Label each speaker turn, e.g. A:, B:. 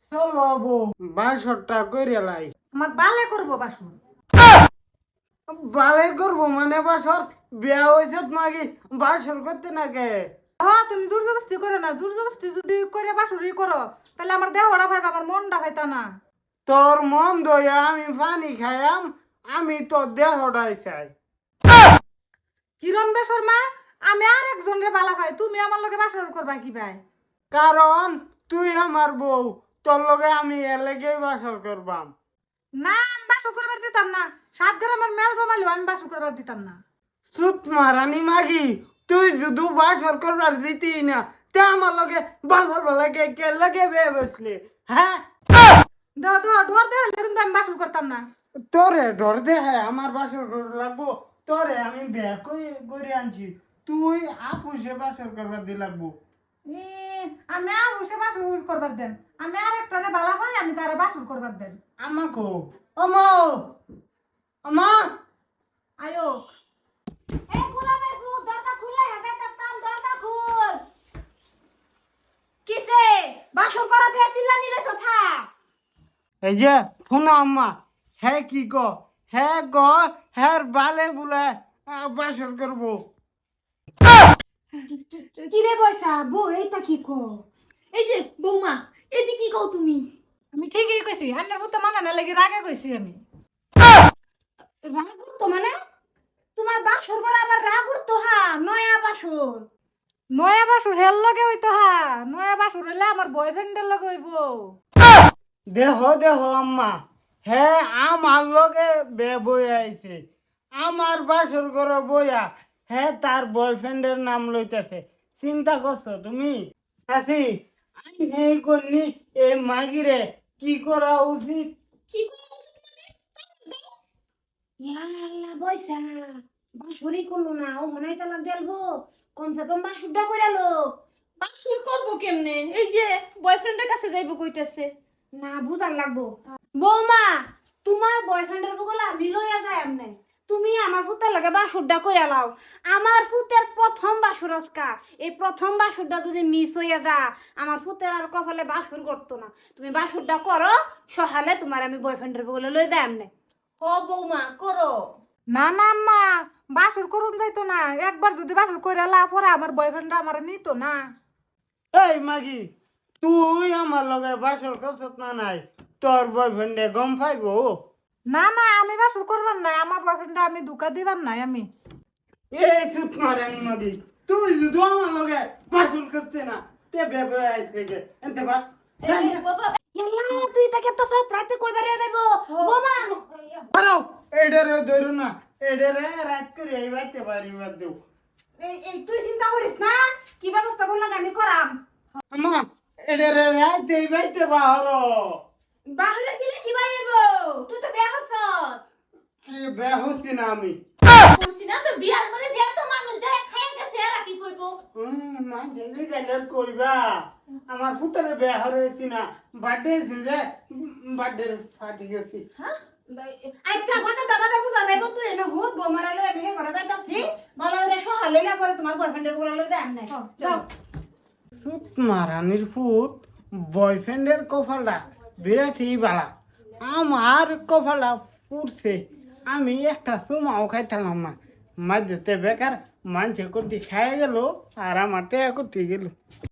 A: চলো বউ বাসরটা করে লাই।
B: আমার বালে করবো বাসুর।
A: বালে করবো মানে বাসর বিয়া হয়েছে মাগি বাসর করতে না কে?
B: হ্যাঁ তুমি জোর জবরদস্তি করো না, জোর জবরদস্তি যদি করে বাসুরি করো তাহলে আমার দেহটা ভাইবা, আমার মনটা ভাইতা না।
A: তোর মন দয়া আমি পানি খাইয়াম, আমি তোর দেহটাই চাই।
B: কিরম বেসর মা, আমি আর একজনের বালা ভাই, তুমি আমার লগে বাসর করবা কি ভাই?
A: কারণ তুই আমার বউ, তোর লগে আমি এর লেগেই বাসর করবাম।
B: না আমি বাসর করবার দিতাম না, 7 গ্রামের মেল জমালেও আমি বাসর করবার দিতাম না।
A: সুত মারানি মাগি, তুই যদি বাসর করবার দিতি না তে আমার লগে বাসর লাগে কে লাগে বে বসলে? হ্যাঁ
B: দাও দাও ডোর দেওয়া কিন্তু আমি বাসর করতাম না।
A: তোরে ডর দে, হ্যাঁ আমার বাসর লাগবো। তোরে আমি বিয়া করে আনছি, তুই আপুসে বাসর করবার দি লাগবো।
B: এ, আমি আর বসে বাসর করবার দেন, আমি আর একটা বালা ভাই, আমি তারা বাসর করবার দেন।
A: আমাকে আমা আমা
B: আয়ো
C: এই গোলামের ভূত দরজা খুলে হেবে তাম দরজা খুল। কিসে বাসর করাতে আসিলা নিলে কথা?
A: এই যে শোনো আম্মা, হ্যাঁ কি ক, হ্যাঁ ক, হ্যাঁ বালে বুলে বাসর করবো।
C: কি রে বয়সা বউ এইটা কি কো? এই যে বৌমা এটি কি কও তুমি?
B: আমি ঠিকই কইছি, আন্নার ভূত মানে না লাগি রাগে কইছি আমি।
C: রাগ করতো মানে? তোমার বাসর করা আবার রাগ করতো? হা নয়া বাসর।
B: নয়া বাসুর হেল লগে হইতো, হা নয়া বাসুর হইলে আমার বয়ফ্রেন্ডের লগে হইব।
A: দেহ দেহ আম্মা, হ্যাঁ আমার লগে বে বই আইছে, আমার বাসর করো বইয়া, হ্যাঁ তার বয়ফ্রেন্ডের নাম লইতেছে। চিন্তা করছো তুমি? চাচি আমি এই করনি এই মাগিরে কি করা উচিত?
C: কি করা উচিত মানে? ইয়া আল্লাহ বয়সা বাসরই করলো না, ও হনাই তালাক দেলবো, কমসে কম বাসুরটা কইরালো। বাসুর করবো কেমনে? এই যে বয়ফ্রেন্ডের কাছে যাইবো কইতাছে। না বুঝার লাগবো। বৌমা তোমার বয়ফ্রেন্ডের বগলা আমি লইয়া যাই আমনে, তুমি আমার পুতের লগে বাসুরটা কইরা লাও। আমার পুতের প্রথম বাসুর আজকা, এই প্রথম বাসুরটা যদি মিস হইয়া যা আমার পুতের আর কপালে বাসুর করতো না। তুমি বাসুরটা করো, সহালে তোমার আমি বয়ফ্রেন্ডের বগলে লই যাই আমনে। ও বৌমা করো।
B: না না আম্মা, বাসুর করুন যাইতো না, একবার যদি বাসুর কইরা লা পরে আমার বয়ফ্রেন্ড আমার নিত না।
A: এই মাগি, তুই আমার লগে বাসর করছত না নাই, তোর বয়ফ্রেন্ডে গম পাইবো?
B: না না আমি বাসুর করবার নাই, আমার বয়ফ্রেন্ড আমি ধোকা দিবার নাই আমি।
A: এই চুপ মারেন মাগি, তুই যদি আমার লগে বাসর করতে না তে বেবে আইছে গে এনতে বা।
C: ইয়াল্লা তুই তাকে তো সব রাতে কইবারে দেবো বোমা।
A: পারাও এডারে ধরু না, এডারে রাত করে আইবাতে পারি বাদ দেও।
C: এই তুই চিন্তা করিস না, কি ব্যবস্থা করলাম আমি করাম।
A: আমা এডারে রাত আইবাতে বাহর।
C: বাহিরে দিলে কি বাইব? তুই তো বিয়া করছ।
A: এই বেহসি না আমি।
C: করছি না তো বিয়ার পরে যে তো মানুষ যায় খাইয়া গেছে আর কি কইব?
A: মা জেনে গেলে কইবা আমার পুত্রের বিয়া হয়েছি না, বার্থডে ছিল, বার্থডে পার্টি গেছি।
C: হ্যাঁ আচ্ছা বাতা দাবাটা বুঝা যাইব, তুই এনে হুদ বোমারা লই আমি ঘরে যাইতাছি, ভালো রে সহাল লইলা পরে তোমার বয়ফ্রেন্ডের বলা লই দে আমনে। যাও
A: সুত মারানির ফুট বয়ফ্রেন্ডের কপালটা বিরাটই বালা, আমার কপালটা পুড়ছে। আমি একটা চুমাও খাইতাম না, মাঝে বেকার মানুষে করতে খাই গেল আর আমার টেয়া করতে গেল।